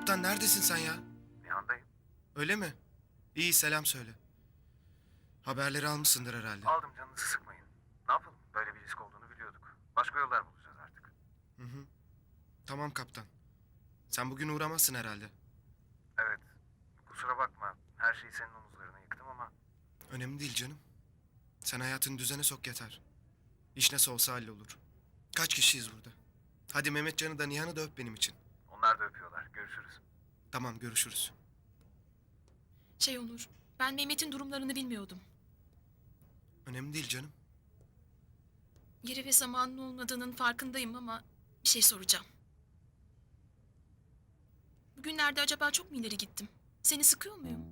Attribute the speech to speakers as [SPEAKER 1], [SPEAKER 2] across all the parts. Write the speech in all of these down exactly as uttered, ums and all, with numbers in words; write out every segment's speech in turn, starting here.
[SPEAKER 1] Kaptan neredesin sen ya?
[SPEAKER 2] Nihan'dayım.
[SPEAKER 1] Öyle mi? İyi, selam söyle. Haberleri almışsındır herhalde.
[SPEAKER 2] Aldım, canınızı sıkmayın. Ne yapalım? Böyle bir risk olduğunu biliyorduk. Başka yollar bulacağız artık.
[SPEAKER 1] Hı hı. Tamam kaptan. Sen bugün uğramazsın herhalde.
[SPEAKER 2] Evet. Kusura bakma. Her şeyi senin omuzlarına yıktım ama...
[SPEAKER 1] Önemli değil canım. Sen hayatını düzene sok yeter. İş nasıl olsa hallolur. Kaç kişiyiz burada? Hadi Mehmetcan'ı da Nihan'ı da öp benim için.
[SPEAKER 2] Onlar da öpüyorlar. Görüşürüz.
[SPEAKER 1] Tamam, görüşürüz.
[SPEAKER 3] Şey Onur, ben Mehmet'in durumlarını bilmiyordum.
[SPEAKER 1] Önemli değil canım.
[SPEAKER 3] Yeri ve zamanın olmadığının farkındayım ama bir şey soracağım. Bugünlerde acaba çok mu ileri gittim? Seni sıkıyor muyum?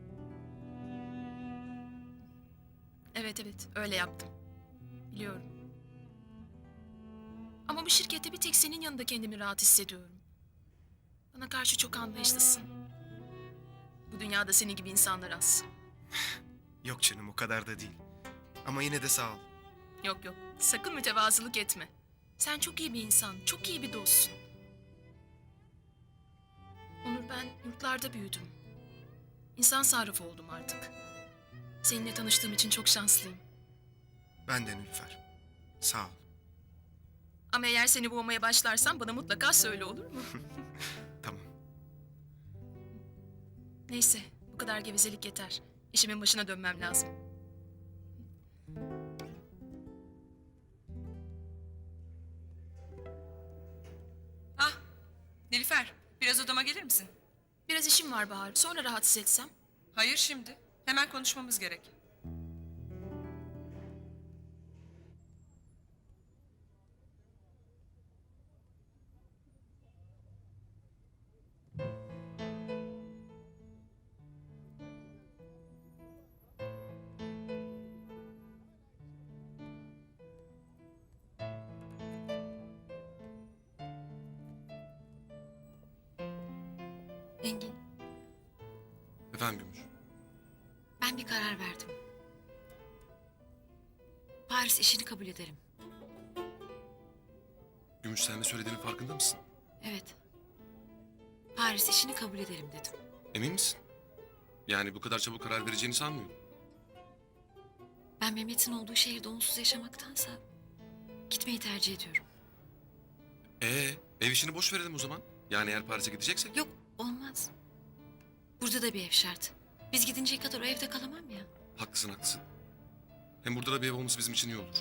[SPEAKER 3] Evet evet, öyle yaptım. Biliyorum. Ama bu şirkette bir tek senin yanında kendimi rahat hissediyorum. Bana karşı çok anlayışlısın. Bu dünyada senin gibi insanlar az.
[SPEAKER 1] Yok canım, o kadar da değil. Ama yine de sağ ol.
[SPEAKER 3] Yok yok, sakın mütevazılık etme. Sen çok iyi bir insan, çok iyi bir dostsun. Onur, ben yurtlarda büyüdüm. İnsan sarrafı oldum artık. Seninle tanıştığım için çok şanslıyım.
[SPEAKER 1] Ben de Nilüfer. Sağ ol.
[SPEAKER 3] Ama eğer seni boğmaya başlarsam bana mutlaka söyle, olur mu?
[SPEAKER 1] Tamam.
[SPEAKER 3] Neyse, bu kadar gevezelik yeter. İşimin başına dönmem lazım.
[SPEAKER 4] Ah, Nilüfer, biraz odama gelir misin?
[SPEAKER 3] Biraz işim var Bahar, sonra rahatsız etsem.
[SPEAKER 4] Hayır şimdi. Hemen konuşmamız gerek.
[SPEAKER 5] Engin,
[SPEAKER 6] Efendim Gümüş.
[SPEAKER 5] ben bir karar verdim. Paris işini kabul ederim.
[SPEAKER 6] Gümüş, sen ne söylediğinin farkında mısın?
[SPEAKER 5] Evet. Paris işini kabul ederim dedim.
[SPEAKER 6] Emin misin? Yani bu kadar çabuk karar vereceğini sanmıyorum.
[SPEAKER 5] Ben Mehmet'in olduğu şehirde onsuz yaşamaktansa gitmeyi tercih ediyorum.
[SPEAKER 6] Ee, ev işini boş verelim o zaman. Yani eğer Paris'e gideceksek.
[SPEAKER 5] Yok, olmaz. Burada da bir ev şart. Biz gidinceye kadar o evde kalamam ya.
[SPEAKER 6] Haklısın haklısın. Hem burada da bir ev olması bizim için iyi olur.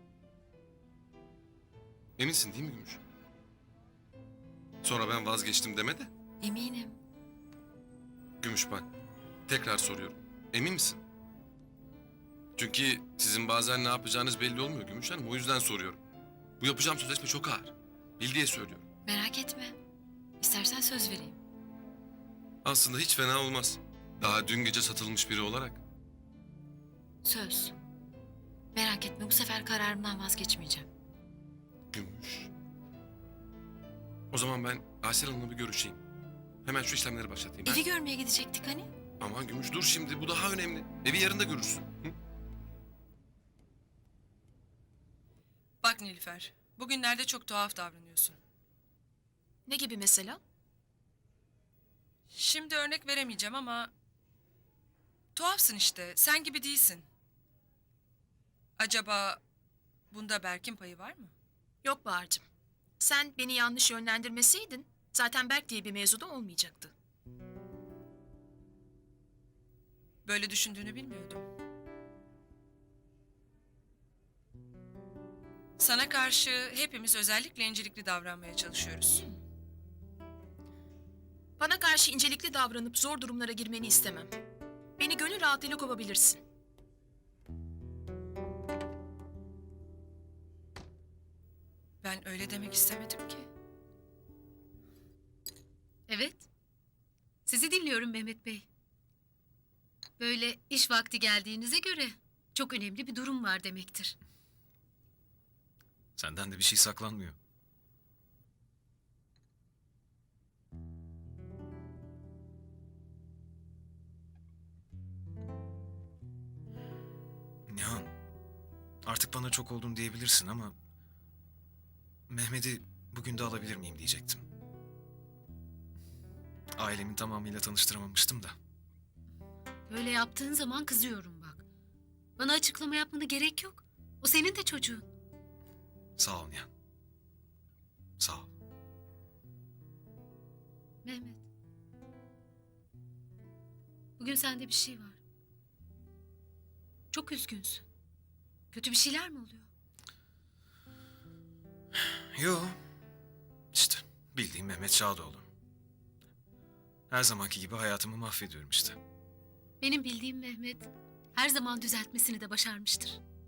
[SPEAKER 6] Eminsin değil mi Gümüş? Sonra ben vazgeçtim deme de.
[SPEAKER 5] Eminim.
[SPEAKER 6] Gümüş bak, tekrar soruyorum. Emin misin? Çünkü sizin bazen ne yapacağınız belli olmuyor Gümüş Hanım. O yüzden soruyorum. Bu yapacağım sözleşme çok ağır. Bil diye söylüyorum.
[SPEAKER 5] Merak etme. İstersen söz vereyim.
[SPEAKER 6] Aslında hiç fena olmaz. Daha dün gece satılmış biri olarak.
[SPEAKER 5] Söz. Merak etme, bu sefer kararımdan vazgeçmeyeceğim.
[SPEAKER 6] Gümüş. O zaman ben Aysel Hanım'la bir görüşeyim. Hemen şu işlemleri başlatayım.
[SPEAKER 5] Evi
[SPEAKER 6] ha?
[SPEAKER 5] görmeye gidecektik hani.
[SPEAKER 6] Aman Gümüş dur şimdi, bu daha önemli. Evi yarın da görürsün. Hı?
[SPEAKER 4] Bak Nilüfer, bugünlerde çok tuhaf davranıyorsun.
[SPEAKER 3] Ne gibi mesela?
[SPEAKER 4] Şimdi örnek veremeyeceğim ama... Tuhafsın işte, sen gibi değilsin. Acaba bunda Berk'in payı var mı?
[SPEAKER 3] Yok Bahar'cığım. Sen beni yanlış yönlendirmeseydin zaten Berk diye bir mevzu da olmayacaktı.
[SPEAKER 4] Böyle düşündüğünü bilmiyordum. Sana karşı hepimiz özellikle incelikli davranmaya çalışıyoruz.
[SPEAKER 3] Bana karşı incelikli davranıp zor durumlara girmeni istemem. Beni gönül rahatlığıyla kovabilirsin.
[SPEAKER 4] Ben öyle demek istemedim ki.
[SPEAKER 7] Evet. Sizi dinliyorum Mehmet Bey. Böyle iş vakti geldiğinize göre çok önemli bir durum var demektir.
[SPEAKER 8] Senden de bir şey saklanmıyor. Nihan, artık bana çok oldun diyebilirsin ama... Mehmet'i bugün de alabilir miyim diyecektim. ailemin tamamıyla tanıştıramamıştım da.
[SPEAKER 7] Böyle yaptığın zaman kızıyorum bak. Bana açıklama yapmana gerek yok. O senin de çocuğun.
[SPEAKER 8] Sağ ol Nihan. Sağ ol.
[SPEAKER 7] Mehmet. Bugün sende bir şey var. Çok üzgünsün. Kötü bir şeyler mi oluyor?
[SPEAKER 8] Yo. İşte bildiğim Mehmet Şadoğlu. Her zamanki gibi hayatımı mahvediyorum işte.
[SPEAKER 7] Benim bildiğim Mehmet her zaman düzeltmesini de başarmıştır.